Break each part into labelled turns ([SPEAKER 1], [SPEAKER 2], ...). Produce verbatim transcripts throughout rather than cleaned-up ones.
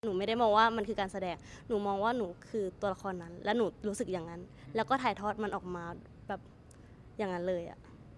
[SPEAKER 1] หนูไม่ได้มองว่ามันคือการแสดงหนูมองว่าหนูคือตัวละครนั้นและหนูรู้สึกอย่างนั้นแล้วก็ถ่ายทอดมันออกมาแบบอย่างนั้นเลยอะ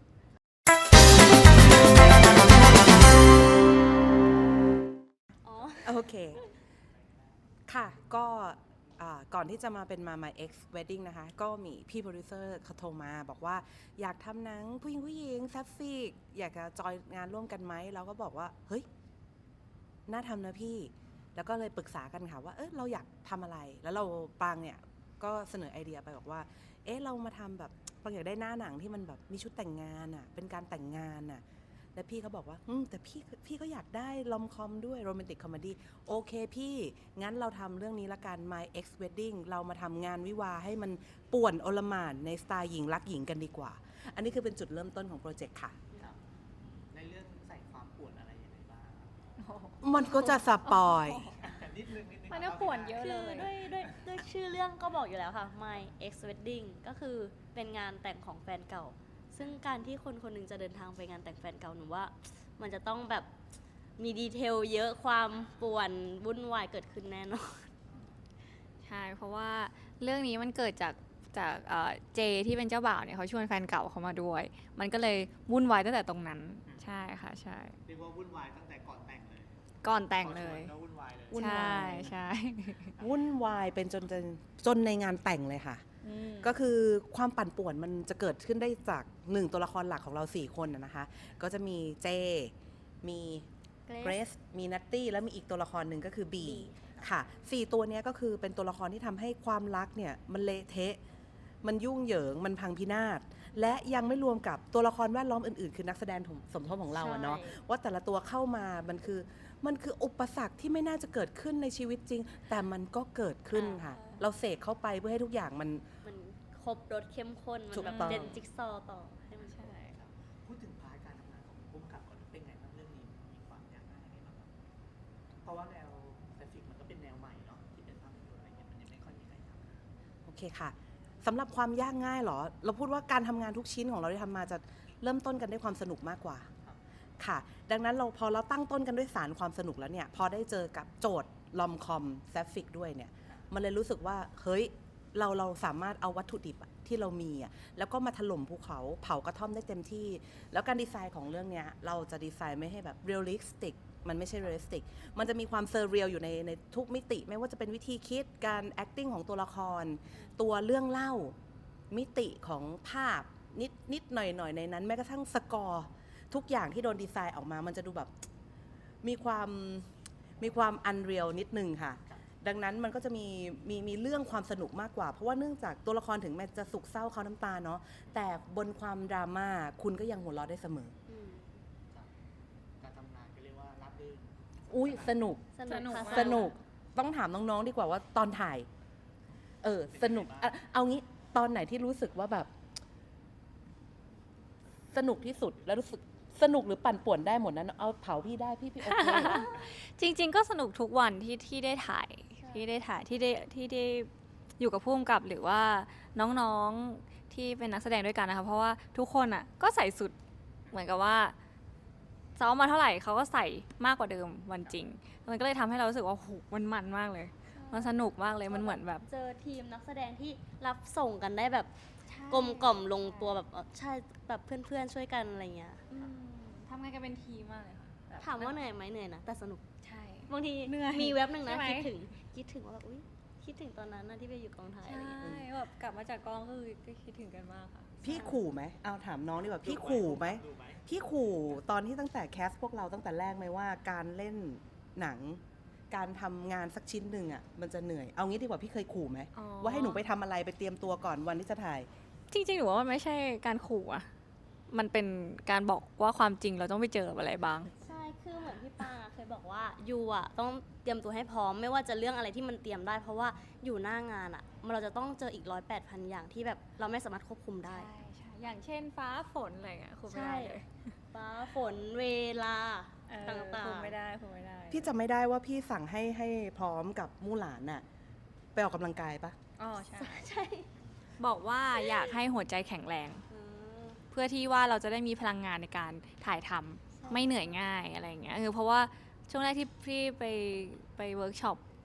[SPEAKER 2] อ๋อโอเคค่ะก็ก่อนที่จะมาเป็นมา My Ex Wedding นะคะก็มีพี่โปรดิวเซอร์เขาโทรมาบอกว่าอยากทำหนังผู้หญิงผู้หญิงแซฟฟิกอยากจะจอยงานร่วมกันไหมเราก็บอกว่าเฮ้ยน่าทำนะพี่แล้วก็เลยปรึกษากันค่ะว่าเออเราอยากทำอะไรแล้วเราปางเนี่ยก็เสนอไอเดียไปบอกว่าเอ๊ะเรามาทำแบบปางอยากได้หน้าหนังที่มันแบบมีชุดแต่งงานอ่ะเป็นการแต่งงานอ่ะแล้วพี่เขาบอกว่าอืมแต่พี่พี่ก็อยากได้ลอมคอมด้วยโรแมนติกคอมเมดี้โอเคพี่งั้นเราทำเรื่องนี้ละกัน My Ex Wedding เรามาทำงานวิวาให้มันป่วนโอลหม่านในสไตล์หญิงรักหญิงกันดีกว่าอันนี้คือเป็นจุดเริ่มต้นของโปรเจกต์ค่ะ
[SPEAKER 3] ในเรื่องใส่ความป่วนอะไรยังไงบ้าง
[SPEAKER 2] มันก็จะสปอย
[SPEAKER 3] นิดนึงนิดนึง
[SPEAKER 4] มันก็ป่วนเยอะ
[SPEAKER 1] คื
[SPEAKER 4] เล
[SPEAKER 1] อย ด้วยด้วยด้วยชื่อเรื่องก็บอกอยู่แล้วค่ะ My Ex Wedding ก็คือเป็นงานแต่งของแฟนเก่าซึ่งการที่คนคนหนึงจะเดินทางไปงานแต่งแฟนเก่าหนูว่ามันจะต้องแบบมีดีเทลเยอะความป่วนวุ่นวายเกิดขึ้นแน่นอน
[SPEAKER 4] ใช่เพราะว่าเรื่องนี้มันเกิดจากจากเจที่เป็นเจ้าบ่าวเนี่ยเขาชวนแฟนเก่าเขามาด้วย มันก็เลยวุ่นวายตั้งแต่ตรงนั้นใช่ค่ะใช่
[SPEAKER 3] เรียกว่าวุ่นวายตั้งแต่ก่อนแต่งเลย
[SPEAKER 4] ก่อนแต่งเลย
[SPEAKER 3] ก็วุ่นวายเลย
[SPEAKER 4] ใช่ใช่
[SPEAKER 2] วุ่นวายเป็นจนจนจนในงานแต่งเลยค่ะก็คือความปั่นป่วนมันจะเกิดขึ้นได้จากหนึ่งตัวละครหลักของเราสี่คนนะคะก็จะมีเจมีเกรซมีนัตตี้แล้วมีอีกตัวละครหนึ่งก็คือบีค่ะสี่ตัวนี้ก็คือเป็นตัวละครที่ทำให้ความรักเนี่ยมันเละเทะมันยุ่งเหยิงมันพังพินาศและยังไม่รวมกับตัวละครแวดล้อมอื่นๆคือนักแสดงสมทบของเราอะเนาะว่าแต่ละตัวเข้ามามันคือมันคืออุปสรรคที่ไม่น่าจะเกิดขึ้นในชีวิตจริงแต่มันก็เกิดขึ้นค่ะเราเสกเข้าไปเพื่อให้ทุกอย่างมัน
[SPEAKER 1] มันครบรสเข้มข้นมันแบบเด่นจิ๊กซอต่อให้มัน
[SPEAKER 4] ใช่
[SPEAKER 3] ครับพูดถึงพาร์ทการทำงานของผู้กำกับก่อนเป็นไงบ้างเรื่องนี้มีความยากง่ายยังไงบ้างครับเพราะว่าแนวแฟฟิกมันก็เป็นแนวใหม่เนาะที่เป็นภาพยนตร์อะไรเงี้ยมันยังไม่ค่อยมีใครทำ
[SPEAKER 2] โอเคค่ะสำหรับความยากง่ายเหรอเราพูดว่าการทำงานทุกชิ้นของเราที่ทำมาจะเริ่มต้นกันด้วยความสนุกมากกว่าค่ะดังนั้นเราพอเราตั้งต้นกันด้วยสารความสนุกแล้วเนี่ยพอได้เจอกับโจทย์ลอมคอมแซฟฟิกด้วยเนี่ยมันเลยรู้สึกว่าเฮ้ยเราเราสามารถเอาวัตถุดิบที่เรามีอ่ะแล้วก็มาถล่มภูเขาเผากระท่อมได้เต็มที่แล้วการดีไซน์ของเรื่องเนี้ยเราจะดีไซน์ไม่ให้แบบเรียลลิสติกมันไม่ใช่เรียลลิสติกมันจะมีความเซอร์เรียลอยู่ในในทุกมิติไม่ว่าจะเป็นวิธีคิดการ acting ของตัวละครตัวเรื่องเล่ามิติของภาพนิดนิดหน่อยหน่อยในนั้นแม้กระทั่งสกอร์ทุกอย่างที่โดนดีไซน์ออกมามันจะดูแบบมีความมีความอันเรียลนิดนึงค่ะดังนั้นมันก็จะมีมีมีเรื่องความสนุกมากกว่าเพราะว่าเนื่องจากตัวละครถึงแม้จะสุขเศร้าเขาน้ำตาเนาะแต่บนความดราม่าคุณก็ยังหัวเราะได้เสมอ
[SPEAKER 3] การทำงานก็เรียกว่าราบรื่น
[SPEAKER 2] อุ้ยสนุก
[SPEAKER 1] สนุก
[SPEAKER 2] สนุกต้องถามน้องๆดีกว่าว่าตอนถ่ายเออสนุกเอางี้ตอนไหนที่รู้สึกว่าแบบสนุกที่สุดแล้วรู้สึกสนุกหรือปั่นป่วนได้หมดนั้นเอาเผาพี่ได้พี่พี่โอเค
[SPEAKER 4] จริงๆก็สนุกทุกวันที่ที่ได้ถ่ายที่ได้ถ่ายที่ได้ที่ได้อยู่กับผู้กำกับหรือว่าน้องๆที่เป็นนักแสดงด้วยกันนะคะเพราะว่าทุกคนอ่ะก็ใส่สุดเหมือนกับว่าซ้อมมาเท่าไหร่เขาก็ใส่มากกว่าเดิมวันจริงมันก็เลยทำให้เรารู้สึกว่าโหมันมันมากเลยมันสนุกมากเลยมันเหมือนแบบ
[SPEAKER 1] เจอทีมนักแสดงที่รับส่งกันได้แบบกลมกล่อมลงตัวแบบใช่แบบเพื่อนๆช่วยกันอะไรเงี้ย
[SPEAKER 4] ทำงานกันเป็นทีมมากเลยค่ะ
[SPEAKER 1] ถามว่าเหนื่อยไหมเหนื่อยนะแต่สนุก
[SPEAKER 4] ใช่
[SPEAKER 1] บางทีมีเว็บหนึ่งนะคิดถึงคิดถึงว่าแบบอุ้ยคิดถึงตอนนั้นนะที่ไปอยู่กองถ่ายอะไรอย่างเงี้ย
[SPEAKER 4] ใช่แบบกลับมาจากกองก็คือก็คิดถึงกันมากค่ะ
[SPEAKER 2] พี่ขู่ไหมเอาถามน้องดีกว่าพี่ขู่ไหมพี่ขู่ตอนที่ตั้งแต่แคสพวกเราตั้งแต่แรกไหมว่าการเล่นหนังการทำงานสักชิ้นหนึ่งอ่ะมันจะเหนื่อยเอางี้ดีกว่าพี่เคยขู่ไหมว่าให้หนูไปทำอะไรไปเตรียมตัวก่อนวันที่จะถ่าย
[SPEAKER 4] จริงๆหนูว่ามันไม่ใช่การขู่อะมันเป็นการบอกว่าความจริงเราต้องไปเจออะไรบ้าง
[SPEAKER 1] ใช่คือเหมือนพี่ปางเคยบอกว่ายูอ่ะต้องเตรียมตัวให้พร้อมไม่ว่าจะเรื่องอะไรที่มันเตรียมได้เพราะว่าอยู่หน้างานอ่ะเราจะต้องเจออีกร้อยแปดพันอย่างที่แบบเราไม่สามารถควบคุมได้
[SPEAKER 4] ใช่ใช่อย่างเช่นฟ้าฝนอะไรเงี้ยคุมไม่ได้เลย
[SPEAKER 1] ฟ้าฝนเวลาต่างๆ
[SPEAKER 4] คุมไม่ได้คุมไม่ได้
[SPEAKER 2] พี่จำไม่ได้ว่าพี่สั่งให้ให้พร้อมกับมู่หลานน่ะไปออกกำลังกายปะ
[SPEAKER 4] อ๋อใช่
[SPEAKER 1] ใช่
[SPEAKER 4] บอกว่าอยากให้หัวใจแข็งแรงเพื่อที่ว่าเราจะได้มีพลังงานในการถ่ายทำไม่เหนื่อยง่ายอะไรเงี้ยคือเพราะว่าช่วงแรกที่พี่ไปไปเวิร์กช็อป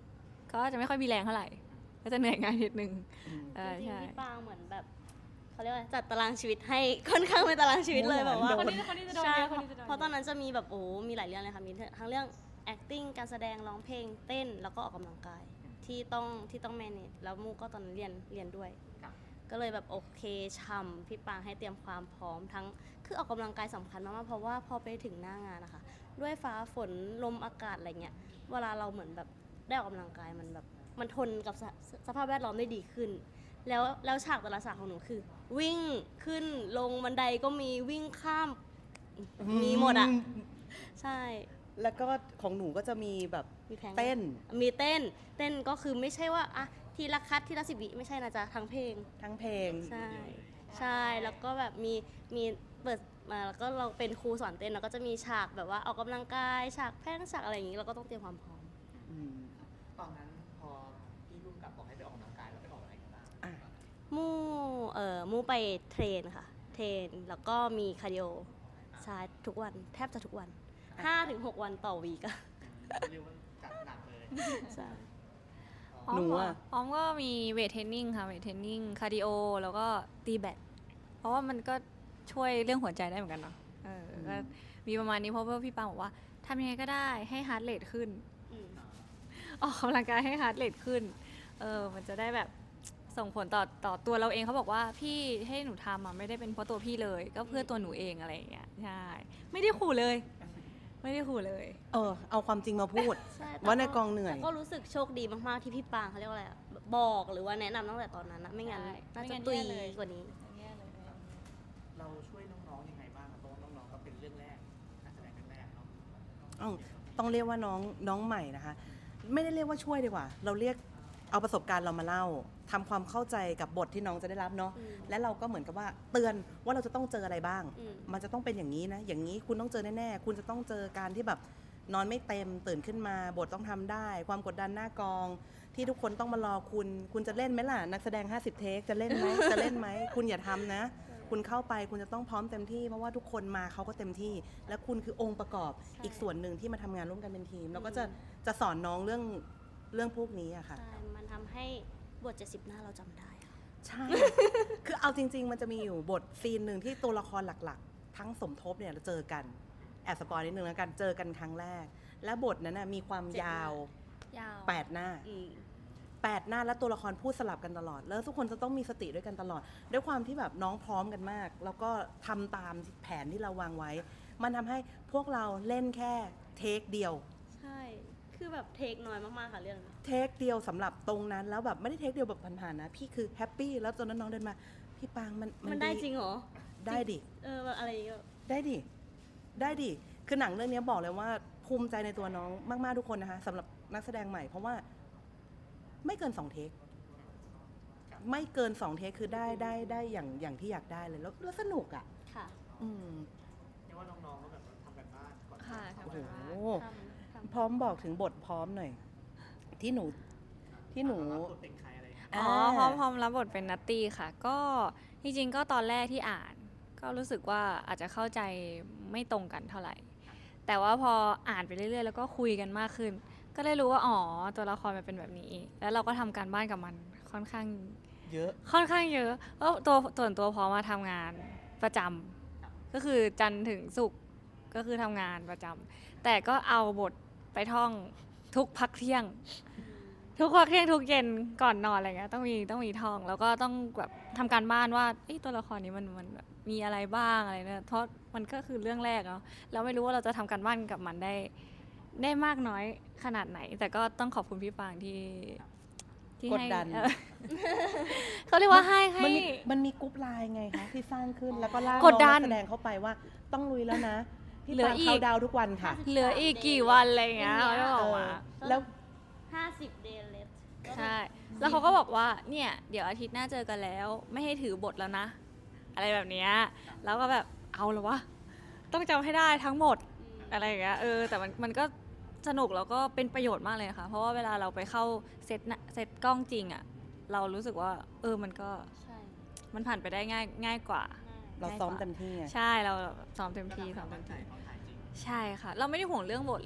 [SPEAKER 4] ก็จะไม่ค่อยมีแรงเท่าไหร่ ก็จะเหนื่อยง่ายนิดนึง
[SPEAKER 2] อืม
[SPEAKER 4] เออ
[SPEAKER 1] จริง
[SPEAKER 4] ใช่
[SPEAKER 1] ๆพี่ปางเหมือนแบบเขาเรียกว่าจัดตารางชีวิตให้ ค่อนข้างเป็นตารางชีวิตเลย
[SPEAKER 2] โอ้
[SPEAKER 1] แบบ
[SPEAKER 2] โห
[SPEAKER 1] ว่า
[SPEAKER 2] คนนี้
[SPEAKER 4] คนนี้จะโดน
[SPEAKER 1] ใช่
[SPEAKER 4] เยอะ
[SPEAKER 1] เพ
[SPEAKER 4] คน
[SPEAKER 1] ราะ
[SPEAKER 4] นี้จะโดน
[SPEAKER 1] เพราะตอนนั้นจะมีแบบโอ้มีหลายเรื่องเลยค่ะมีทั้งเรื่อง acting การแสดงร้องเพลงเต้นแล้วก็ออกกำลังกายที่ต้องที่ต้อง manage แล้วมูก็ตอนนั้นเรียนเรียนด้วย
[SPEAKER 3] ครับ
[SPEAKER 1] ก็เลยแบบโอเคช่ำพี่ปางให้เตรียมความพร้อมทั้งคือออกกำลังกายสำคัญมากๆเพราะว่าพอไปถึงหน้างานนะคะด้วยฟ้าฝนลมอากาศอะไรเงี้ยเวลาเราเหมือนแบบได้ออกกำลังกายมันแบบมันทนกับสสสภาพแวดล้อมได้ดีขึ้น แล้วแล้วฉากแต่ละฉากของหนูคือ วิ่งขึ้นลงบันไดก็มีวิ่งข้ามมีหมดอ่ะใช่
[SPEAKER 2] แล้วก็ของหนูก็จะมีแบบ
[SPEAKER 1] มีแพง
[SPEAKER 2] เต้น
[SPEAKER 1] มีเต้นเต้นก็คือไม่ใช่ว่าอะทีละคัดทีละสิบวิไม่ใช่นะจ๊ะทั้งเพลง
[SPEAKER 2] ทั้งเพลง
[SPEAKER 1] ใช่ ใช่ แล้วก็แบบมีมีเปิดมาแล้วก็เราเป็นครูสอนเต้นเราก็จะมีฉากแบบว่าออกกำลังกายฉากแพร่งฉากอะไรอย่างนี้เราก็ต้องเตรียมความพร้อม
[SPEAKER 2] อืม
[SPEAKER 3] ตอนนั้นพอพี่รุ่งกับบอกให้ไปออกกำลังกายแล้วไปออกอะไรกันบ้าง
[SPEAKER 2] อ่ะ
[SPEAKER 1] มู่เอ่อมู่ไปเทรนค่ะ เทรนแล้วก็มีคาร์ดิโอใช่ทุกวันแทบจะทุกวันห้าถึงหกวันต่อวีกอะ
[SPEAKER 3] เรียกว่าจัดหนักเลย
[SPEAKER 1] ใช่
[SPEAKER 4] ออม
[SPEAKER 2] หนู
[SPEAKER 4] เหร
[SPEAKER 2] อะ
[SPEAKER 4] อออมก็มีเวทเทรนนิ่งค่ะเวทเทรนนิ่งคาร์ดิโอแล้วก็ตีแบดเพราะว่ามันก็ช่วยเรื่องหัวใจได้เหมือนกันเนาะเออก็มีประมาณนี้เพราะว่าพี่ปางบอกว่าทำยังไงก็ได้ให้ฮาร์ดเรทขึ้น
[SPEAKER 1] อืม
[SPEAKER 4] ออกกำลังกายให้ฮาร์ดเรทขึ้น เออ มันจะได้แบบส่งผลต่อต่อตัวเราเองเขาบอกว่าพี่ให้หนูทำอ่ะไม่ได้เป็นเพราะตัวพี่เลย ก็เพื่อตัวหนูเองอะไรอย่างเงี้ย ใช่ ไม่ได้ขู่เลย ไม่ได้ขู่เลย
[SPEAKER 2] เออ เอาความจริงมาพูด
[SPEAKER 1] ใช่แต่
[SPEAKER 2] ว่าในกองเหนื่อย
[SPEAKER 1] แต่ก็รู้สึกโชคดีมาก ๆ ที่พี่ปางเขาเรียกว่าอะไรอะบอกหรือว่าแนะนำตั้งแต่ตอนนั้นนะไม่งั้น
[SPEAKER 4] ใช่
[SPEAKER 1] น่า
[SPEAKER 4] ไม่
[SPEAKER 1] จะ
[SPEAKER 4] งั้น
[SPEAKER 1] ตุย
[SPEAKER 4] แย่เลย
[SPEAKER 1] กว่านี้
[SPEAKER 3] เราช่วยน้องๆยังไงบ้างครับเพราะว่าน้องๆก็เป็นเรื่องแรกการแสดงเรื่องแรกเนาะ
[SPEAKER 2] อ้าวต้องเรียกว่าน้องน้องใหม่นะคะ ไม่ได้เรียกว่าช่วยดีกว่า เราเรียกเอาประสบการณ์เรามาเล่าทำความเข้าใจกับบทที่น้องจะได้รับเนาะ
[SPEAKER 1] อืม
[SPEAKER 2] และเราก็เหมือนกับว่าเตือนว่าเราจะต้องเจออะไรบ้าง
[SPEAKER 1] อืม
[SPEAKER 2] มันจะต้องเป็นอย่างนี้นะ อย่างนี้คุณต้องเจอแน่ๆ คุณจะต้องเจอการที่แบบนอนไม่เต็มตื่นขึ้นมา บทต้องทำได้ ความกดดันหน้ากอง ที่ทุกคนต้องมารอคุณ คุณจะเล่นไหมล่ะ นักแสดง ห้าสิบ เทค จะเล่นไหม จะเล่นไหม คุณอย่าทำนะ คุณเข้าไปคุณจะต้องพร้อมเต็มที่ เพราะว่าทุกคนมาเขาก็เต็มที่ และคุณคือองค์ประกอบ
[SPEAKER 1] ใช่
[SPEAKER 2] อีกส่วนหนึ่งที่มาทำงานร่วมกันเป็นทีม แล้วก็จะ
[SPEAKER 1] อืม
[SPEAKER 2] จะสอนน้องเรื่องเรื่องพวกนี้อะค่ะ
[SPEAKER 1] ใช่ มันทำให้บทเจ็ดสิบหน้าเราจำได้ค่ะ
[SPEAKER 2] ใช่ คือเอาจริง ๆ มันจะมีอยู่บทซีนหนึ่งที่ตัวละครหลักๆ ทั้งสมทบเนี่ยเราเจอกัน แอบสปอยนิดนึงแล้วกันเจอกันครั้งแรก และบทนั้นนะมีความ
[SPEAKER 1] เจ็ดหน้าย
[SPEAKER 2] าว
[SPEAKER 4] ยาว
[SPEAKER 2] แปดหน้า
[SPEAKER 1] อืม
[SPEAKER 2] แปดหน้าและตัวละครพูดสลับกันตลอด แล้วทุกคนจะต้องมีสติด้วยกันตลอด ด้วยความที่แบบน้องพร้อมกันมาก แล้วก็ทำตามแผนที่เราวางไว้ มันทำให้พวกเราเล่นแค่เทคเดียว
[SPEAKER 1] ใช่ คือแบบเทคน้อยมาก ๆ ค่ะเรื่องนี้
[SPEAKER 2] เทคเดียวสำหรับตรงนั้นแล้วแบบไม่ได้เทคเดียวแบบผ่านๆนะ พี่คือแฮปปี้แล้วตอนนั้นน้องเดินมา พี่ปางมัน
[SPEAKER 1] มันได้จริงเหรอ
[SPEAKER 2] ได้ดิ
[SPEAKER 1] เออแบบอะไรอย่างเงี้ย
[SPEAKER 2] ได้ดิ ได้ดิ คือหนังเรื่องนี้บอกเลยว่าภูมิใจในตัวน้องมาก ๆ ทุกคนนะคะสำหรับนักแสดงใหม่ เพราะว่าไม่เกินสองเทค ไม่เกินสองเทคคือได้ได้ได้อย่างอย่างที่อยากได้เลยแล้วแล้วสนุกอ่ะ
[SPEAKER 1] ค่ะ
[SPEAKER 2] อืม
[SPEAKER 3] เรียกว่าน้องๆก็แบบทำกันบ้านก่อน
[SPEAKER 4] ค่ะ
[SPEAKER 2] โอ้
[SPEAKER 4] ทำ
[SPEAKER 2] โห
[SPEAKER 4] กันบ้าน
[SPEAKER 1] ทำทำ
[SPEAKER 2] พร้อมบอกถึงบทพร้อมหน่อย ที่หนูที่หนู
[SPEAKER 3] รับบทเป็นใครอะไรอย่างเงี้ย
[SPEAKER 4] อ๋อพร้อมพร้อมรับบทเป็นนัตตี้ค่ะ ก็จริงๆก็ตอนแรกที่อ่าน ก็รู้สึกว่าอาจจะเข้าใจไม่ตรงกันเท่าไหร่ แต่ว่าพออ่านไปเรื่อยๆ แล้วก็คุยกันมากขึ้น ก็ได้รู้ว่าอ๋อตัวละครมันเป็นแบบนี้ แล้วเราก็ทำการบ้านกับมันค่อนข้าง
[SPEAKER 2] เยอะ
[SPEAKER 4] ค่อนข้างเยอะเพราะตัวส่วนตัวพอมาทำงานประจำก็คือจันทร์ถึงศุกร์ก็คือทำงานประจำแต่ก็เอาบทไปท่องทุกพักเที่ยง ทุกพักเที่ยงทุกเย็นก่อนนอนอะไรเงี้ยต้องมีต้องมีท่อง แล้วก็ต้องแบบทำการบ้านว่าเอ้ยตัวละครนี้มันมันแบบมีอะไรบ้างอะไรเนี่ยเพราะมันก็คือเรื่องแรกเนาะเราไม่รู้ว่าเราจะทำการบ้านกับมันได้ได้มากน้อยขนาดไหน แต่ก็ต้องขอบคุณพี่ปางที่ที่
[SPEAKER 2] กด
[SPEAKER 4] ให้
[SPEAKER 2] ดัน
[SPEAKER 4] เออ เขาเรียกว่าให้ให้
[SPEAKER 2] มันมีมันมีกรุ๊ปไลน์ไงคะที่สร้างขึ้นแล้วก็ล่าก
[SPEAKER 4] ดดัน
[SPEAKER 2] น้องนักแสดงเข้าไปว่าต้องลุยแล้วนะ พี่
[SPEAKER 4] เหลือ
[SPEAKER 2] ปาง
[SPEAKER 4] อีก
[SPEAKER 2] เข้าดาวทุกวันค่ะ
[SPEAKER 4] เหลืออีกกี่วันอะไรอย่างเงี้ยเขาจะบ
[SPEAKER 2] เอ
[SPEAKER 4] อก
[SPEAKER 2] อ
[SPEAKER 4] มา
[SPEAKER 2] แล้ว
[SPEAKER 1] ห้าสิบ day left
[SPEAKER 4] ใช่ แล้วเขาก็บอกว่าเนี่ยเดี๋ยวอาทิตย์หน้าเจอกันแล้ว ไม่ให้ถือบทแล้วนะ อะไรแบบเนี้ยแล้วก็แบบเอาเหรอวะต้องจำให้ได้ทั้งหมดอะไรอย่างเงี้ยเออแต่มันมันก็สนุกแล้วก็เป็นประโยชน์มากเลยค่ะ เพราะว่าเวลาเราไปเข้าเซตน่ะเซตกล้องจริงอ่ะเรารู้สึกว่า เออมันก็
[SPEAKER 1] ใช่
[SPEAKER 4] มันผ่านไปได้ง่ายง่ายกว่า
[SPEAKER 2] เราซ้อมเต็มที่ไง
[SPEAKER 4] ใช่เราซ้อมเต็มที่ซ้อมเต็มที่
[SPEAKER 3] ตอนถ่ายจริง
[SPEAKER 4] ใช่ค่ะ เราไม่ได้ห่วงเรื่องบทเลย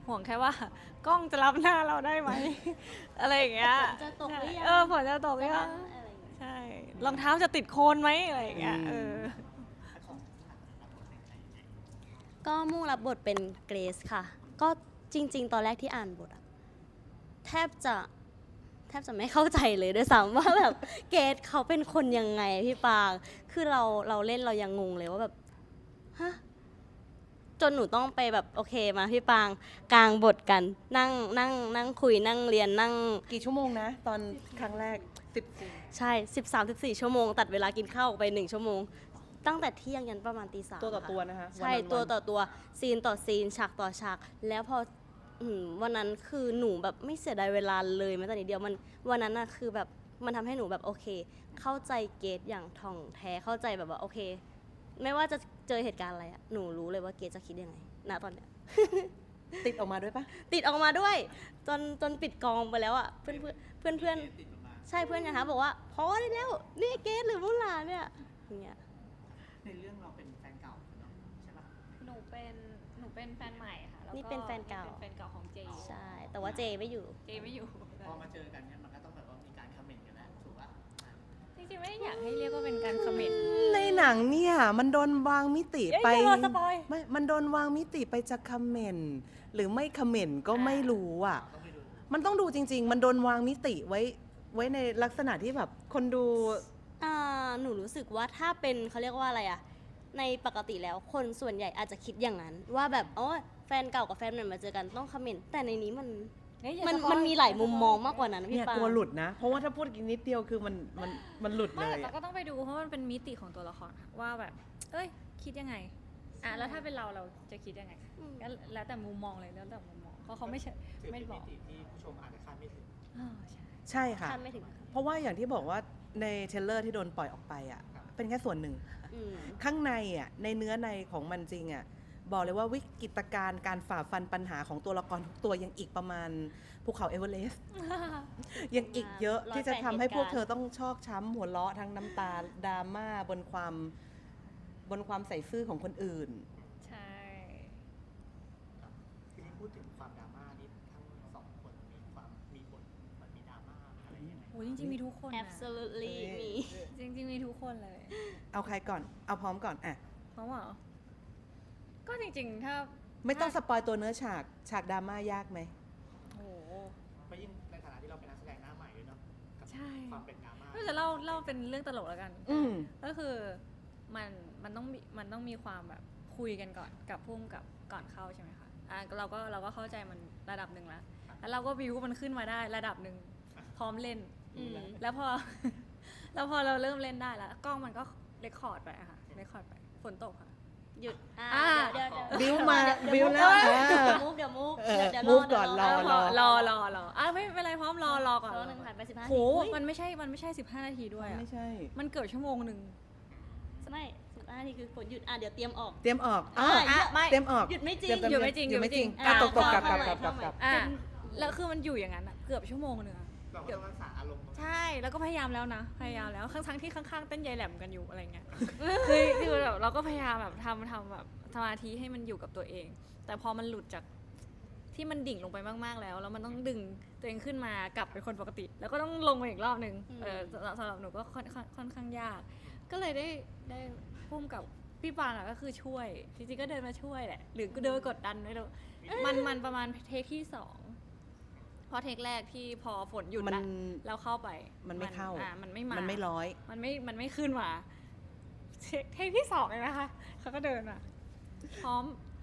[SPEAKER 4] ห่วงแค่ว่ากล้องจะรับหน้าเราได้ไหม อะไรอย่างเงี้ย
[SPEAKER 1] ฝนจะตกหรือยัง
[SPEAKER 4] เออฝนจะตกหรือยัง
[SPEAKER 1] อะไรอย่างเงี้ย
[SPEAKER 4] ใช่รองเท้าจะติดโคลนไหมอะไรอย่างเงี้ยเออ
[SPEAKER 3] แล้วของหลักรับบทเป็นใครยังไง
[SPEAKER 1] ก็มุ่งรับบทเป็นเกรซค่ะ ก็จริง ๆ ตอนแรกที่อ่านบทอะแทบจะแทบจะไม่เข้าใจเลยด้วยซ้ำ ว่าแบบเกรซเขาเป็นคนยังไงพี่ปาง คือเราเราเล่นเรายังงงเลยว่าแบบฮะจนหนูต้องไปแบบโอเคมาพี่ปางกลางบทกัน นั่งนั่งนั่งคุยนั่งเรียนนั่ง
[SPEAKER 2] กี่ชั่วโมงนะ ตอนครั้งแรกสิบ
[SPEAKER 1] ใช่ สิบสาม สิบสี่ ชั่วโมง ตัดเวลากินข้าวออกไปหนึ่งชั่วโมง ตั้งแต่เที่ยงยันประมาณตีสาม
[SPEAKER 2] ตัวต่อ
[SPEAKER 1] ค่ะ
[SPEAKER 2] ตัวนะคะ
[SPEAKER 1] ใช่
[SPEAKER 2] วันๆ
[SPEAKER 1] ตัวต่อตัวซีนต่อซีนฉากต่อฉาก แล้วพออืมวันนั้นคือหนูแบบไม่เสียดายเวลาเลยแม้แต่นิดเดียวมันวันนั้นน่ะคือแบบมันทำให้หนูแบบโอเค เข้าใจเกตอย่างท่องแท้เข้าใจแบบว่าโอเค ไม่ว่าจะเจอเหตุการณ์อะไรอะหนูรู้เลยว่าเกตจะคิดยังไงณตอนเนี้ย
[SPEAKER 2] ติดออกมาด้วยปะ
[SPEAKER 1] ติดออกมาด้วย จนจนปิดกองไปแล้วอะเพื่อนเพื่อนเพื่อนเพื่อน
[SPEAKER 3] ติดออกมา
[SPEAKER 1] ใช่เพื่อนนะคะบอกว่าพอได้แล้วนี่เกตหรือมุลาเนี่ยอย่างเงี้ย
[SPEAKER 3] ในเรื่องเราเป็นแฟนเก่าเนาะใช่ปะ
[SPEAKER 4] หนูเป็นหนูเป็นแฟนใหม่ค่ะแล้ว
[SPEAKER 1] นี่เป็นแฟนเก่า
[SPEAKER 4] เป็นแฟนเก่าของเจ
[SPEAKER 1] ใช่ แต่ว่าเจไม่อยู่
[SPEAKER 4] เจไม่อยู่
[SPEAKER 3] พอมาเจอกันเนี่ยมันก็ต้องแบบว่ามีการคอมเมนต์กันแล้วถูกปะอ่ะ
[SPEAKER 4] จริงๆไม่ได้อยากให้เรียกว่าเป็นการคอมเมนต์
[SPEAKER 2] ในหนังเนี่ย มันโดนวางมิติ
[SPEAKER 4] เอ้ย
[SPEAKER 2] ไป
[SPEAKER 4] อย่ารอสปอย
[SPEAKER 2] ไม่ มันโดนวางมิติไปจะคอมเมนต์หรือไม่คอมเมนต์ก็ไม่รู้อ่ะ
[SPEAKER 3] ต้องไปดู
[SPEAKER 2] มันต้องดูจริง ๆ มันโดนวางมิติไว้ไว้ในลักษณะที่แบบคนดู
[SPEAKER 1] อ่าหนูรู้สึกว่าถ้าเป็นเขาเรียกว่าอะไรอะในปกติแล้วคนส่วนใหญ่อาจจะคิดอย่างนั้น ว่าแบบอ๋อแฟนเก่ากับแฟนใหม่มาเจอกันต้องคอมเมนต์แต่ในนี้มัน
[SPEAKER 4] เฮ้ยอย่า
[SPEAKER 1] มัน
[SPEAKER 4] สปอย
[SPEAKER 1] มันมีหลายมุมมองมากกว่านั้น
[SPEAKER 2] เนี่
[SPEAKER 1] พี่
[SPEAKER 2] ย
[SPEAKER 1] ปาก
[SPEAKER 2] ลัวหลุดนะ เพราะว่าถ้าพูดอีกนิดเดียวคือมันมันมันหลุดเล
[SPEAKER 4] ไม่
[SPEAKER 2] ย
[SPEAKER 4] แต่
[SPEAKER 2] อะ
[SPEAKER 4] ก็ต้องไปดูเพราะมันเป็นมิติของตัวละครค่ะว่าแบบ เอ้ย คิดยังไงอ่ะแล้วถ้าเป็นเราเราจะคิดยังไง
[SPEAKER 1] อืม
[SPEAKER 4] ก็แล้วแต่มุมมองเลยแล้วแต่มุมมองเพราะเขาไม่ใช่
[SPEAKER 3] ถือ
[SPEAKER 4] ไม่
[SPEAKER 3] เป็น
[SPEAKER 4] บ
[SPEAKER 3] มิ
[SPEAKER 4] อก
[SPEAKER 3] ติที่ผู้ชมอาจจะคาดไม่ถึง
[SPEAKER 4] อ๋อใช่
[SPEAKER 2] ใช่ค่ะ
[SPEAKER 1] คาดไม่ถึง
[SPEAKER 2] เพราะว่าอย่างที่บอกว่าในเทรลเลอร์ที่โดนปล่อยออกไปอ่ะ
[SPEAKER 3] ครับ
[SPEAKER 2] เป็นแค่ส่วนหนึ่ง
[SPEAKER 1] อืม
[SPEAKER 2] ข้างในอ่ะในเนื้อในของมันจริงอ่ะบอกเลยว่าวิกฤตการณ์การฝ่าฟันปัญหาของตัวละครทุกตัวยังอีกประมาณภูเขาเอเวอเรสต์ ยังอีกเยอะที่จะทำให้พวกเธอต้องชอกช้ำหัวเราะทั้งน้ำตาดราม่าบนความบนความใส่ซื่อของคนอื่น
[SPEAKER 4] ใช่
[SPEAKER 3] ครับทีนี้พูดถึงความดราม่านี่ทั้งสองคนมีความมีบทมันมีดราม่าอะไรยังไง
[SPEAKER 4] โหจริงๆมีทุกคนนะ
[SPEAKER 1] absolutely มี
[SPEAKER 4] จริงๆมีทุกคนเลย
[SPEAKER 2] เอาใครก่อน เอาพร้อมก่อนอ่ะ
[SPEAKER 4] เพราะว่าก็จริงๆถ้า
[SPEAKER 2] ไม่ต้องสปอยตัวเนื้อฉากฉากดราม่ายากไหม
[SPEAKER 4] โห
[SPEAKER 3] เพราะยิ่งในฐานะที่เราเป็นนักแสดงหน้าใหม่ด้วยเนาะกับ
[SPEAKER 4] ใช่
[SPEAKER 3] ความเป็นดราม่า
[SPEAKER 4] ก็จะเล่าเล่าเป็นเรื่องตลกแล้วกัน
[SPEAKER 2] อืม
[SPEAKER 4] ก็คือมันมันต้องมีมันต้องมีความแบบคุยกันก่อนกับพุ่มกับก่อนเข้าใช่ไหมคะอ่ะเราก็เราก็เข้าใจมันระดับหนึ่งแล้วแล้วเราก็วิวมันขึ้นมาได้ระดับหนึ่งพร้อมเล่น
[SPEAKER 1] อืม
[SPEAKER 4] แล้วพอ แล้วพอเราเริ่มเล่นได้แล้ว กล้องมันก็เรคคอร์ดไปอะค่ะเรคคอร์ดไปฝนตกค่ะ
[SPEAKER 1] หยุดอ่า
[SPEAKER 4] อ่า
[SPEAKER 1] เดี๋ยวเดี๋ยว
[SPEAKER 2] บิ้วมา
[SPEAKER 1] เดี๋ย
[SPEAKER 2] บิ้วแล้ว
[SPEAKER 1] เดี๋ย
[SPEAKER 2] อ่า
[SPEAKER 1] มูฟเดี๋ยวมูฟ
[SPEAKER 2] เออ
[SPEAKER 1] เดี๋ยว
[SPEAKER 2] move ก่อนร
[SPEAKER 1] ร
[SPEAKER 2] อ
[SPEAKER 4] แล้วพอรอรอรออ่ะไม่เป็นไรพร้อมรอรอก่อน
[SPEAKER 1] รอหนึ่งผ่านไปสิบห้า
[SPEAKER 4] โห
[SPEAKER 1] ที
[SPEAKER 4] มันไม่ใช่มันไม่ใช่สิบห้านาทีด้วยอะ
[SPEAKER 2] ไม่ใช่
[SPEAKER 4] มันเกือบชั่วโมงหนึ่ง
[SPEAKER 1] ไม่สิบห้าทีคือฝนหยุดอ่ะเดี๋ยวเตรียมออก
[SPEAKER 2] เตรียมออก
[SPEAKER 1] อ่ะ
[SPEAKER 2] อ่ะ
[SPEAKER 4] อ่ะไม่
[SPEAKER 2] เตรียมออก
[SPEAKER 1] หยุดไม่จริง
[SPEAKER 2] เตรี
[SPEAKER 4] หยุดไม่จริง
[SPEAKER 2] หยุดไม่จริง
[SPEAKER 4] หยุดไม่จริง
[SPEAKER 2] อ่ะตกตกกลับกลับ
[SPEAKER 1] อ่ะ
[SPEAKER 2] กลับกลับกลับ
[SPEAKER 4] อ่ะแล้วคือมันอยู่อย่างนั้นอะเกือบชั่วโมงหนึงอะ
[SPEAKER 3] เราก็ต้องรักษาอารมณ์
[SPEAKER 4] ใช่แล้วก็พยายามแล้วนะ พยายามแล้วทั้งๆที่ข้างๆเต้นยายแหลมกันอยู่อะไรเงี้ย คือคือแบบเราก็พยายามแบบทำทำแบบสมาธิให้มันอยู่กับตัวเอง แต่พอมันหลุดจากที่มันดิ่งลงไปมากๆแล้ว แล้วมันต้องดึงตัวเองขึ้นมากลับเป็นคนปกติ แล้วก็ต้องลงมาอีกรอบหนึ่ง
[SPEAKER 1] อืม
[SPEAKER 4] เออสำหรับสำหรับหนูก็ค่อนค่อนค่อนข้างยาก ก็เลยได้ได้พุ่มกับพี่ปางอะก็คือช่วย จริงๆก็เดินมาช่วยแหละ หรือก็เดินมากดดันไม่รู้มันมันประมาณเทคที่สองเพราะเทคแรกที่พอฝนหยุด
[SPEAKER 2] มัน
[SPEAKER 4] ละแล้วเข้าไป
[SPEAKER 2] มันไม่เข้า
[SPEAKER 4] อ่ะมันไม่มา
[SPEAKER 2] มันไม่ร้อย
[SPEAKER 4] มันไม่ มันไม่ขึ้นมาเทคเทคที่สองเลยนะคะ เขาก็เดินมาพร้อม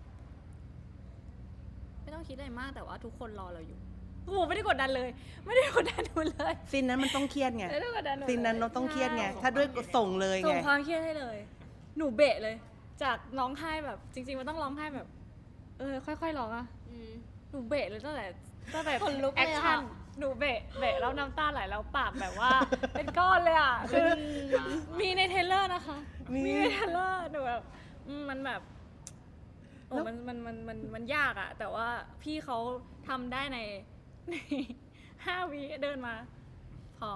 [SPEAKER 4] ไม่ต้องคิดอะไรมากแต่ว่าทุกคนรอเราอยู่โอ้โหไม่ได้กดดันเลย ไม่ได้กดดันหนูเลย
[SPEAKER 2] ซีนนั้นมันต้องเครียดไง
[SPEAKER 4] ไม่ได้กดดันหนูเลย
[SPEAKER 2] ซีนนั้นเราต้องเครียดไง ถ้าด้วยส่งเลย
[SPEAKER 4] ส่
[SPEAKER 2] ไง
[SPEAKER 4] งความเครียดให้เลย หนูเบะเลย จากร้องไห้แบบ จริง ๆ มันต้องร้องไห้แบบ เออ ค่อยๆร้องอะ
[SPEAKER 1] อืม
[SPEAKER 4] หนูเบะเลยตั้งแต่ตั้งแต่
[SPEAKER 1] ขนลุกเลย
[SPEAKER 4] แอ
[SPEAKER 1] อะ
[SPEAKER 4] คชั่นหนูเบะเบะแล้วน้ำตาไหลแล้วปากแบบว่า เป็นก้อนเลยอ่ะคือมีในเทรลเลอร์นะคะ
[SPEAKER 2] มี
[SPEAKER 4] มีในเทรลเลอร์หนูแบบอืมมันแบบโอ้
[SPEAKER 2] แล้ว
[SPEAKER 4] มันมันมันมันมันยากอ่ะ แต่ว่าพี่เขาทำได้ในในห้าวิเดินมา พร้อม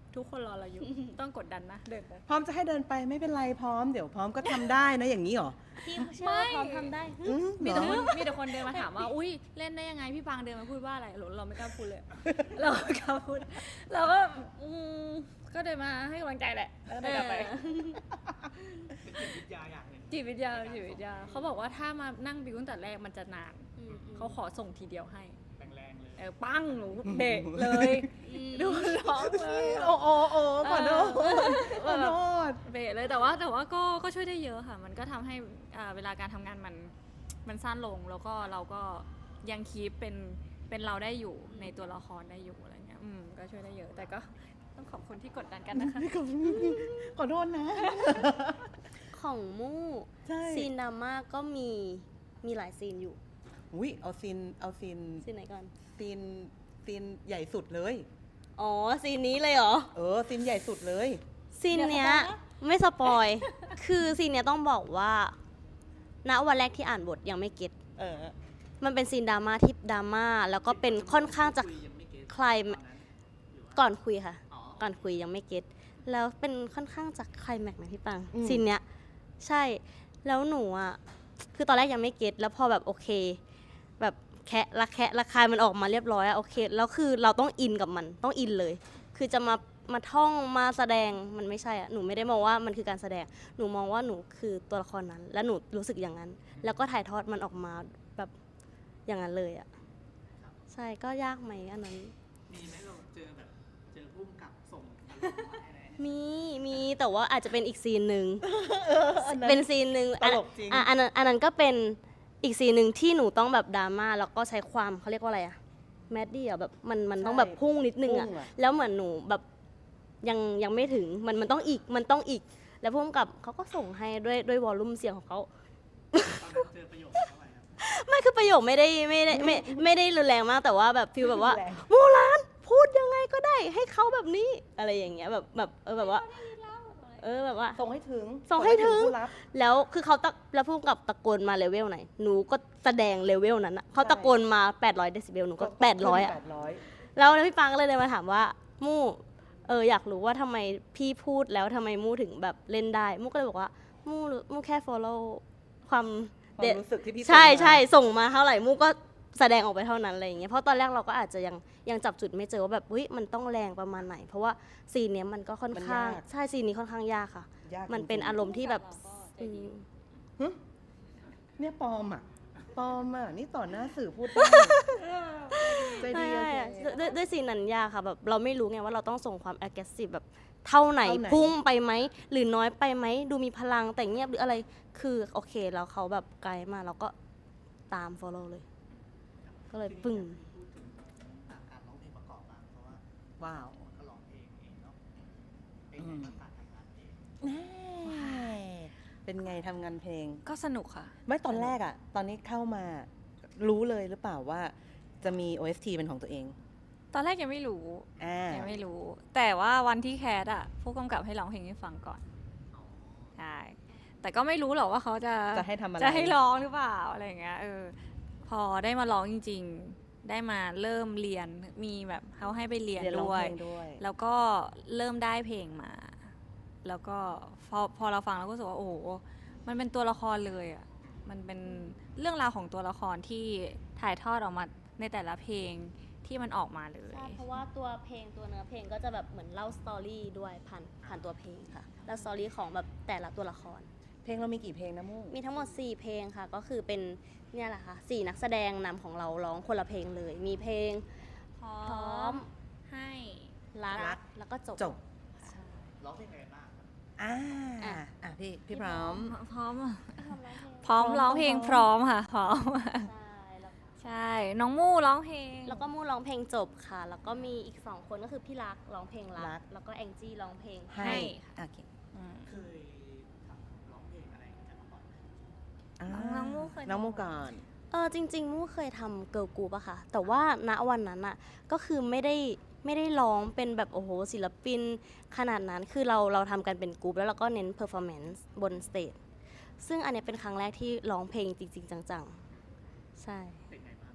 [SPEAKER 4] ทุกคนรอเราอยู่ ต้องกดดันนะเดินไป
[SPEAKER 2] พร้อมจะให้เดินไปไม่เป็นไรพร้อมเดี๋ยวพร้อมก็ทำได้นะอย่างนี้เหรอ
[SPEAKER 1] พี่เชื่อว่าพร้อมทำได้
[SPEAKER 2] อืม
[SPEAKER 4] มี
[SPEAKER 2] เหร
[SPEAKER 4] แต่
[SPEAKER 2] อ
[SPEAKER 4] คนมีแต่คนเดินมาถามว่า อุ้ยเล่นได้ยังไงพี่ปางเดินมาพูดว่าอะไรเราเราไม่กล้าพูดเลย เราไม่กล้าพูดเราก็อืมก็เดินมาให้กำลังใจแหละแล้วเดินกลับไป
[SPEAKER 3] เป็นจิตวิทยาอย่างหนึ่ง
[SPEAKER 4] จิตวิทยาจิตวิทยาเขาบอกว่าถ้ามานั่งบิวตั้งแต่แรกมันจะนาน
[SPEAKER 1] อืมอืม
[SPEAKER 4] เขาขอส่งทีเดียวให้
[SPEAKER 3] แรงๆเลย
[SPEAKER 4] เออปั้งหนูเบรกเลยดูร้องเลย
[SPEAKER 2] โอ้โอ้โอ้ขอโทษขอโทษ
[SPEAKER 4] เบรกเลยแต่ว่าแต่ว่าก็ก็ช่วยได้เยอะค่ะ มันก็ทำให้อ่าเวลาการทำงานมันมันสั้นลงแล้วก็เราก็ยังคีปเป็นเป็นเราได้อยู่ในตัวละครได้อยู่อะไรเงี้ยอืมก็ช่วยได้เยอะ แต่ก็ต้องขอบคุณที่กดดันกันนะคะ
[SPEAKER 2] ขอโทษนะ
[SPEAKER 1] ของมู่
[SPEAKER 2] ใช่
[SPEAKER 1] ซีนดราม่าก็มีมีหลายซีนอยู่
[SPEAKER 2] อุ้ยเอาซีนเอาซีน
[SPEAKER 1] ซีนไหนก่อน
[SPEAKER 2] ซีนซีนใหญ่สุดเลย
[SPEAKER 1] อ๋อซีนนี้เลยเหรอ
[SPEAKER 2] เออซีนใหญ่สุดเลย
[SPEAKER 1] ซีนเนี้ยไม่สปอย คือซีนเนี้ยต้องบอกว่า ณ วันแรกที่อ่านบทยังไม่เก็ต
[SPEAKER 2] เออ
[SPEAKER 1] มันเป็นซีนดราม่าที่ดราม่าแล้วก็เป็นค่อนข้างจะ
[SPEAKER 3] คุยยังไม่เก็ต
[SPEAKER 1] คลาย
[SPEAKER 3] ตอนนั้นหรือว่า
[SPEAKER 1] ก่อนคุยค่ะ
[SPEAKER 3] อ๋อ
[SPEAKER 1] ก่อนคุยยังไม่เก็ตแล้วเป็นค่อนข้างจะไคลแม็กซ์นะพี่ปัง
[SPEAKER 2] อืม
[SPEAKER 1] ซีนเนี้ยใช่แล้วหนูอ่ะคือตอนแรกยังไม่เก็ตแล้วพอแบบโอเค แบบแคะละแคะละคายมันออกมาเรียบร้อยอะโอเคแล้วคือเราต้องอินกับมันต้องอินเลย คือจะมามาท่องมาแสดงมันไม่ใช่อะหนูไม่ได้มองว่ามันคือการแสดง หนูมองว่าหนูคือตัวละครนั้น และหนูรู้สึกอย่างนั้น แล้วก็ถ่ายทอดมันออกมาแบบอย่างนั้นเลยอะใช่ก็ยากไหมอันนั้น
[SPEAKER 3] มีไหมเราเจอแบบเจอพุ่มกับส่งอารมณ์มาให้อะไรเนี่ย
[SPEAKER 1] มีมีแต่ว่าอาจจะเป็นอีกซีนหนึ่ง
[SPEAKER 2] อันนั้น
[SPEAKER 1] เป็นซีนหนึ่ง
[SPEAKER 2] ตลกจริง
[SPEAKER 1] อ่ะอันนั้นอันนั้นก็เป็นอีกซีนหนึ่งที่หนูต้องแบบดราม่าแล้วก็ใช้ความเขาเรียกว่าอะไรอะแมดดี้อะแบบมันมันต้องแบบพุ่งนิดนึงอะ
[SPEAKER 2] พุ่งอะ
[SPEAKER 1] แล้วเหมือนหนูแบบยังยังไม่ถึงมันมันต้องอีกมันต้องอีก แล้วพุ่งกับเขาก็ส่งให้ด้วยด้วยวอลลุ่มเสียงของเขา
[SPEAKER 3] ตอนนั้นเจอประโยคเท่าไหร่ครับ
[SPEAKER 1] ไม่คือประโยคไม่ได้ไม่ได้ไม่ไม่ได้รุนแรงมากแต่ว่าแบบฟิลแบบว่า
[SPEAKER 2] แรง
[SPEAKER 1] โมลานพูดยังไงก็ได้ให้เขาแบบนี้อะไรอย่างเงี้ยแบบแบบเออแบบว่า เออแบบว่า
[SPEAKER 2] ส่งให้ถึง
[SPEAKER 1] ส่งให้ถึง
[SPEAKER 2] ผู้รับ
[SPEAKER 1] แล้วคือเขาตะแล้วพูดกับตะโกนมาเลเวลไหน หนูก็แสดงเลเวลนั้นอะเขาตะโกนมา แปดร้อยเดซิเบล หนูก็ แปดร้อย อะ
[SPEAKER 2] แปดร้อย
[SPEAKER 1] แล้วแล้วพี่ปังก็เลยเดินมาถามว่า มู่เอออยากรู้ว่าทำไมพี่พูดแล้วทำไมมู่ถึงแบบเล่นได้ มู่ก็เลยบอกว่า มู่มู่แค่ follow ความ
[SPEAKER 2] ความ
[SPEAKER 1] เด็ด
[SPEAKER 2] รู้สึกที่พี่
[SPEAKER 1] ใช่
[SPEAKER 2] ส่งมา
[SPEAKER 1] ใช่ส่งมาเท่าไหร่ มู่ก็แสดงออกไปเท่านั้นอะไรอย่างเงี้ย เพราะตอนแรกเราก็อาจจะยังยังจับจุดไม่เจอว่าแบบเฮ้ยมันต้องแรงประมาณไหน เพราะว่าซีนเนี้ยมันก็ค่อนข้าง ใช่ซีนนี้ค่อนข้างยากค่ะ
[SPEAKER 2] ยาก
[SPEAKER 1] มันเป็น
[SPEAKER 2] จงๆ
[SPEAKER 1] อารมณ์ที่แบบอืม
[SPEAKER 2] หึเนี่ยปลอมอ่ะปลอมอ่ะนี่ต่อหน้าสื่อพูดได้ใจดี
[SPEAKER 1] ใช่
[SPEAKER 2] โอเค
[SPEAKER 1] อะด้วยด้วยด้วยซีนนั้นยากค่ะแบบเราไม่รู้ไงว่าเราต้องส่งความ aggressive แบบเท่าไหน
[SPEAKER 2] เท่าไหน
[SPEAKER 1] พุ่งไปไหม หรือน้อยไปไหม ดูมีพลังแต่เงียบหรืออะไรคือโอเคแล้วเขาแบบไกลมาเราก็ตาม follow เลย ก็เลยปึ้ง
[SPEAKER 3] พูดถึงการร้องเพลงประกอบบ้างเพราะว่า
[SPEAKER 2] ว้าว
[SPEAKER 3] ก็ร้องเพลงเองเนาะเป็นไงบ้างการทำงานเอง
[SPEAKER 2] แน่เป็นไงทำงานเพลง
[SPEAKER 4] ก็สนุกค่ะ
[SPEAKER 2] ไม่ตอนแรกอ่ะ ตอนนี้เข้ามารู้เลยหรือเปล่าว่าจะมี โอ เอส ที เป็นของตัวเอง
[SPEAKER 4] ตอนแรกยังไม่รู้
[SPEAKER 2] อ่า
[SPEAKER 4] ยังไม่รู้ แต่ว่าวันที่แคสอะผู้กำกับให้ร้องเพลงให้ฟังก่อนใช่แต่ก็ไม่รู้หรอกว่าเขาจะ
[SPEAKER 2] จะให้ทำอะไร
[SPEAKER 4] จะให้ร้องหรือเปล่าอะไรอย่างเงี้ยเออพอได้มาร้องจริง ๆ ได้มาเริ่มเรียนมีแบบเขาให้ไปเรียน
[SPEAKER 2] เรียนร้อง
[SPEAKER 4] ด้วย
[SPEAKER 2] เพลงด้วย
[SPEAKER 4] แล้วก็เริ่มได้เพลงมา แล้วก็พอพอเราฟังเราก็รู้สึกว่าโอ้โหมันเป็นตัวละครเลยอ่ะมันเป็นเรื่องราวของตัวละครที่ถ่ายทอดออกมาในแต่ละเพลงที่มันออกมาเลย
[SPEAKER 1] ใช่เพราะว่าตัวเพลงตัวเนื้อเพลงก็จะแบบเหมือนเล่าสตอรี่ด้วยผ่านผ่านตัวเพลงค่ะเล่าสตอรี่ของแบบแต่ละตัวละคร
[SPEAKER 2] เพลงเรามีกี่เพลงนะมุ่ง
[SPEAKER 1] มีทั้งหมด สี่ เพลงค่ะ ก็คือเป็นเนี่ยแหละค่ะสี่นักแสดงนำของเราร้องคนละเพลงเลย มีเพลง
[SPEAKER 4] พร้
[SPEAKER 1] พร้อ
[SPEAKER 4] อ
[SPEAKER 1] ม
[SPEAKER 4] มให้
[SPEAKER 1] รัก
[SPEAKER 2] รัก
[SPEAKER 1] แล้วก็จบ
[SPEAKER 2] จบ
[SPEAKER 1] ใช่
[SPEAKER 3] ร้องเพลงอะไรบ้างครับ
[SPEAKER 2] อ่า
[SPEAKER 1] อ่ะ
[SPEAKER 2] อ่ะพี่พี่พร้อม
[SPEAKER 4] พร้อมอะ
[SPEAKER 1] พร้อมร้องเพลง
[SPEAKER 4] พร้อมร้องเพลงพร้อมค่ะพร้อม
[SPEAKER 1] ใช่แล้ว
[SPEAKER 4] ใช่ น้องมู่ร้องเพลง
[SPEAKER 1] แล้วก็มู่ร้องเพลงจบค่ะ แล้วก็มีอีกสองคนก็คือพี่รักร้องเพลงรั
[SPEAKER 2] รั
[SPEAKER 1] ก
[SPEAKER 2] ก
[SPEAKER 1] แล้วก็แองจี้ร้องเพลง
[SPEAKER 2] ให้
[SPEAKER 4] ให้
[SPEAKER 2] โอเค
[SPEAKER 4] อืม
[SPEAKER 3] เคยทำร้องเพลงอะไรกันมาก่อนไหม
[SPEAKER 2] อ่า
[SPEAKER 4] น้องมู่เคย
[SPEAKER 2] น้องมู่ก่อน
[SPEAKER 1] เออจริงๆมู่เคยทำเกิร์ลกรุ๊ปอะค่ะ แต่ว่าณวันนั้นอะก็คือไม่ได้ไม่ได้ร้องเป็นแบบโอ้โหศิลปินขนาดนั้น คือเราเราทำกันเป็นกรุ๊ปแล้วเราก็เน้นเพอร์ฟอร์แมนซ์บนสเตจ ซึ่งอันเนี้ยเป็นครั้งแรกที่ร้องเพลงจริงๆ จังๆ ใช่
[SPEAKER 3] เป็นไงบ้าง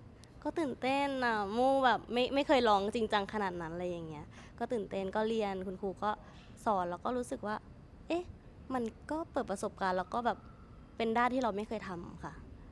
[SPEAKER 1] ก็ตื่นเต้นอ่ะมู่แบบไม่ไม่เคยร้องจริงจังขนาดนั้นอะไรอย่างเงี้ยก็ตื่นเต้นก็เรียนคุณครูก็สอนแล้วก็รู้สึกว่า เอ๊ะ มันก็เปิดประสบการณ์แล้วก็แบบเป็นด้านที่เราไม่เคยทำค่ะ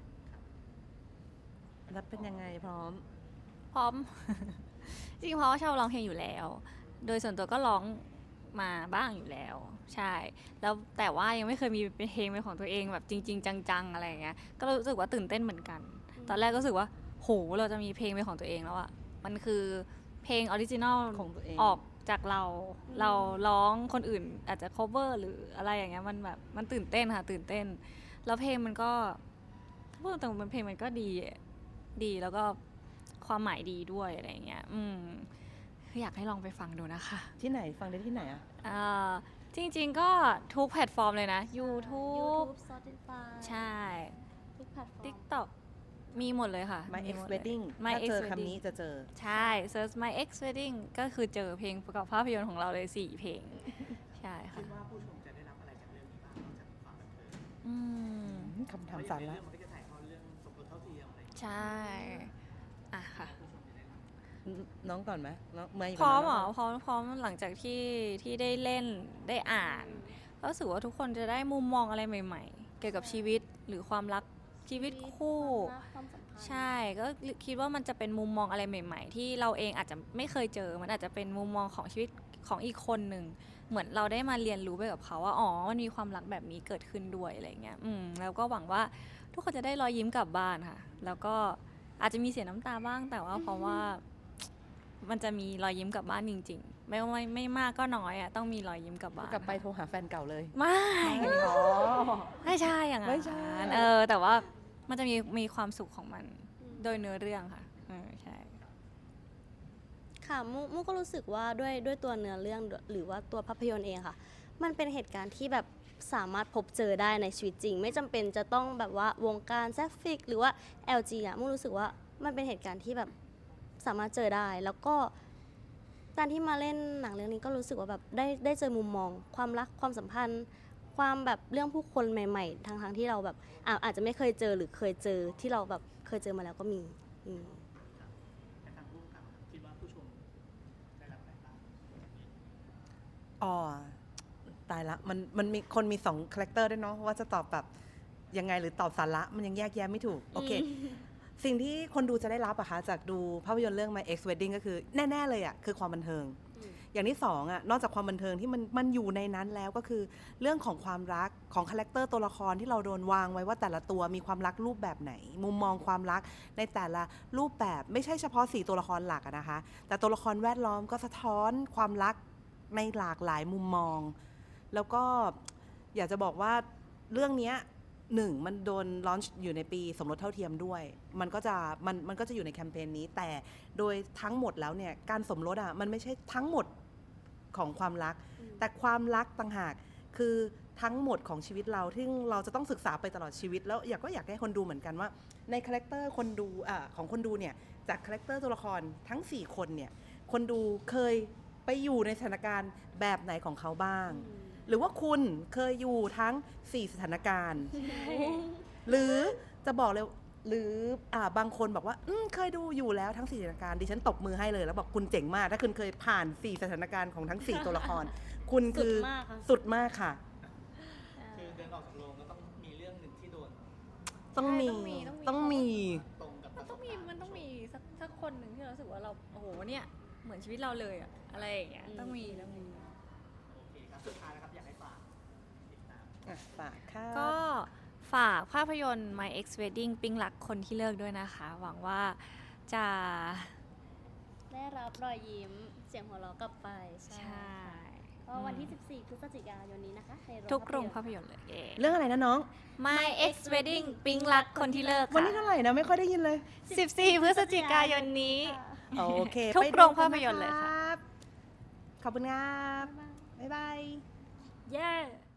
[SPEAKER 2] แล้วเป็นยังไงพร้อม
[SPEAKER 4] พร้อม จริงๆเพราะว่าชอบร้องเพลงอยู่แล้ว โดยส่วนตัวก็ร้องมาบ้างอยู่แล้ว ใช่ แล้วแต่ว่ายังไม่เคยมีเป็นเพลงเป็นของตัวเองแบบจริง ๆ จังๆอะไรอย่างเงี้ย ก็รู้สึกว่าตื่นเต้นเหมือนกัน ตอนแรกก็รู้สึกว่า โห เราจะมีเพลงเป็นของตัวเองแล้วอะมันคือเพลงออริจินอล
[SPEAKER 2] ของตัวเอง
[SPEAKER 4] ออกจากเรา เราร้องคนอื่นอาจจะ cover หรืออะไรอย่างเงี้ย มันแบบมันตื่นเต้นค่ะ ตื่นเต้น แล้วเพลงมันก็ถ้าพูดตรงๆมันเพลงมันก็ดี ดีแล้วก็ความหมายดีด้วยอะไรอย่างเงี้ย อืมคืออยากให้ลองไปฟังดูนะคะ
[SPEAKER 2] ที่ไหนฟังได้ที่ไหนอะ
[SPEAKER 4] อ่าจริงๆก็ทุกแพลตฟอร์มเลยนะ YouTube
[SPEAKER 1] Spotify
[SPEAKER 4] ใช่
[SPEAKER 1] ทุกแพลตฟอร์ม
[SPEAKER 4] TikTok มีหมดเลยค่ะ
[SPEAKER 2] My
[SPEAKER 4] มี
[SPEAKER 2] Ex
[SPEAKER 4] หมดเลย
[SPEAKER 2] Wedding
[SPEAKER 4] My
[SPEAKER 2] ถ้า
[SPEAKER 4] Ex
[SPEAKER 2] เจอ
[SPEAKER 4] Wedding
[SPEAKER 2] คำนี้จะเจอ
[SPEAKER 4] ใช่ search My Ex Wedding ก็คือเจอเพลงประกอบภาพยนตร์ของเราเลยสี่เพลง ใช่ค่ะ
[SPEAKER 3] คิดว่าผู้ชมจะได้รับอะไรจากเรื่องนี้บ้างนอกจากความบันเทิง
[SPEAKER 4] อืม
[SPEAKER 2] คำถามสา
[SPEAKER 3] เพ
[SPEAKER 2] ระ
[SPEAKER 3] ราะอย่างในเรื่องมันก็จะถ่ายทอดเรื่องสมรสเท่าเทียมอะไรอย่างเงี้ย
[SPEAKER 4] ใช่ อ่ะค่ะ
[SPEAKER 3] ผู้ชมจะได้รับ
[SPEAKER 2] น้องก่อนไหมน้องเมย์
[SPEAKER 4] พร้อม
[SPEAKER 2] ก่น
[SPEAKER 4] เหร
[SPEAKER 2] นะ
[SPEAKER 4] อพร้อมพร้อมหลังจากที่ที่ได้เล่นได้อ่านก็รู้สึกว่าทุกคนจะได้มุมมองอะไรใหม่ ๆ เกี่ยวกับชีวิตหรือความรักชีวิตคู่
[SPEAKER 1] ความรักความสัมพันธ์
[SPEAKER 4] ใช่ก็คิดว่ามันจะเป็นมุมมองอะไรใหม่ ๆ ที่เราเองอาจจะไม่เคยเจอ มันอาจจะเป็นมุมมองของชีวิตของอีกคนหนึ่งเหมือนเราได้มาเรียนรู้ไปกับเขาว่าอ๋อมันมีความรักแบบนี้เกิดขึ้นด้วยอะไรเงี้ยอืมแล้วก็หวังว่าทุกคนจะได้รอยยิ้มกลับบ้านค่ะ แล้วก็อาจจะมีเสียน้ำตาบ้างแต่ว่าเพราะว่า มันจะมีรอยยิ้มกลับบ้านจริงๆ ไม่ไม่ไม่มากก็น้อยอ่ะต้องมีรอยยิ้มกลับบ้าน
[SPEAKER 2] กลับไปโทรหาแฟนเก่าเลย
[SPEAKER 4] ไม่
[SPEAKER 2] อ๋อ
[SPEAKER 4] ไม่ใช่อย่างนั้น
[SPEAKER 2] ไม่ใช่
[SPEAKER 4] เออแต่ว่ามันจะมีมีความสุขของมันโดยเนื้อเรื่องค่ะเออใช่
[SPEAKER 1] ค่ะมุมุก็รู้สึกว่าด้วยด้วยตัวเนื้อเรื่องหรือว่าตัวภาพยนตร์เองค่ะ มันเป็นเหตุการณ์ที่แบบสามารถพบเจอได้ในชีวิตจริง ไม่จำเป็นจะต้องแบบว่าวงการแซฟฟิกหรือว่า แอล จี อะมุรู้สึกว่ามันเป็นเหตุการณ์ที่แบบสามารถเจอได้ แล้วก็การที่มาเล่นหนังเรื่องนี้ก็รู้สึกว่าแบบได้ได้เจอมุมมอง ความรักความสัมพันธ์ ความแบบเรื่องผู้คนใหม่ๆทางทางๆที่เราแบบอ่ะอาจจะไม่เคยเจอหรือเคยเจอที่เราแบบเคยเจอมาแล้วก็มีอืม
[SPEAKER 3] แต่ทางผู้กำกับคิดว่าผู้ชมได้รับอะไรบ้าง
[SPEAKER 2] อ๋อตายละมันมันมีคนมีสองคาแรคเตอร์ด้วยเนาะว่าจะตอบแบบยังไงหรือตอบสาระมันยังแยกแยะไม่ถูก โอเค สิ่งที่คนดูจะได้รับอะคะจากดูภาพยนตร์เรื่อง My Ex Wedding ก็คือแน่ ๆ เลยอะคือความบันเทิง
[SPEAKER 1] อืม
[SPEAKER 2] อย่างที่สองอะนอกจากความบันเทิงที่มันมันอยู่ในนั้นแล้วก็คือเรื่องของความรักของคาแรคเตอร์ตัวละครที่เราโดนวางไว้ว่าแต่ละตัวมีความรักรูปแบบไหน มุมมองความรักในแต่ละรูปแบบไม่ใช่เฉพาะสี่ตัวละครหลักอะนะคะ แต่ตัวละครแวดล้อมก็สะท้อนความรักในหลากหลายมุมมอง แล้วก็อยากจะบอกว่าเรื่องเนี้ยหนึ่งมันโดนลอนช์อยู่ในปีสมรสเท่าเทียมด้วย มันก็จะมันมันก็จะอยู่ในแคมเปญนี้ แต่โดยทั้งหมดแล้วเนี่ยการสมรสอ่ะมันไม่ใช่ทั้งหมดของความรัก แต่ความรักต่างหากคือทั้งหมดของชีวิตเราที่เราจะต้องศึกษาไปตลอดชีวิต แล้วอยากก็อยากให้คนดูเหมือนกันว่า ในคาแรคเตอร์คนดูอ่าของคนดูเนี่ยจากคาแรคเตอร์ตัวละครทั้งสี่คนเนี่ยคนดูเคยไปอยู่ในสถานการณ์แบบไหนของเขาบ้าง หรือว่าคุณเคยอยู่ทั้งสี่สถานการณ์ หรือจะบอกเลยหรืออ่าบางคนบอกว่าอืมเคยดูอยู่แล้วทั้งสี่สถานการณ์ดิฉันตบมือให้เลยแล้วบอกคุณเจ๋งมาก ถ้าคุณเคยผ่านสี่สถานการณ์ของทั้งสี่ตัวละคร คุณคือ
[SPEAKER 1] สุดมากค่ะ
[SPEAKER 2] สุดมากค่ะ
[SPEAKER 3] คือเดินออกจากโรงก็ต้องมีเรื่องหนึ่งที่โดน
[SPEAKER 2] ต้องมี
[SPEAKER 4] ใช่ต้องมีต้
[SPEAKER 2] ต้อ
[SPEAKER 4] อง งมี
[SPEAKER 2] มี
[SPEAKER 3] ตรงกับป
[SPEAKER 4] มัน
[SPEAKER 3] ระส
[SPEAKER 4] ต้อบ งมี
[SPEAKER 3] การณ์
[SPEAKER 4] มันต้องมีสักสักคนหนึ่งที่เรารู้สึกว่าเราโอ้โหเนี่ยเหมือนชีวิตเราเลยอะอะไรอย่างเงี้ย
[SPEAKER 1] อืม
[SPEAKER 4] ต้องมีต้องมี
[SPEAKER 3] โอเคครับสุดท้ายนะครับอยากให้ฝากติดตาม
[SPEAKER 2] อ่ะฝากค่ะ
[SPEAKER 4] ก็ฝากภาพยนตร์ My Ex Wedding ปิ๊งรักคนที่เลิกด้วยนะคะ หวังว่าจะ
[SPEAKER 1] ได้รับรอยยิ้มเสียงหัวเราะกลับไป
[SPEAKER 4] ใช่
[SPEAKER 1] ก็วันที่ สิบสี่ พฤศจิกายนนี้นะคะในโรง
[SPEAKER 4] ทุกโรง
[SPEAKER 1] ภา
[SPEAKER 4] ภา
[SPEAKER 1] พ
[SPEAKER 4] พ
[SPEAKER 1] ย
[SPEAKER 4] ย
[SPEAKER 1] นตร์
[SPEAKER 4] นตร์เลยเย้
[SPEAKER 2] เรื่องอะไรนะน้อง
[SPEAKER 4] My Ex Wedding ปิ๊งรักคนที่เลิก
[SPEAKER 2] วัน
[SPEAKER 4] ค่ะ
[SPEAKER 2] นี้เท่าไหร่นะไม่ค่อยได้ยินเลย
[SPEAKER 4] สิบสี่พฤศจิกายนนี้
[SPEAKER 2] โอเค
[SPEAKER 4] ทุก
[SPEAKER 2] ไปดู
[SPEAKER 4] โรงภาพยนตร์เลยค่ะ
[SPEAKER 2] รับขอบคุณครับ บ๊ายบาย
[SPEAKER 4] เย้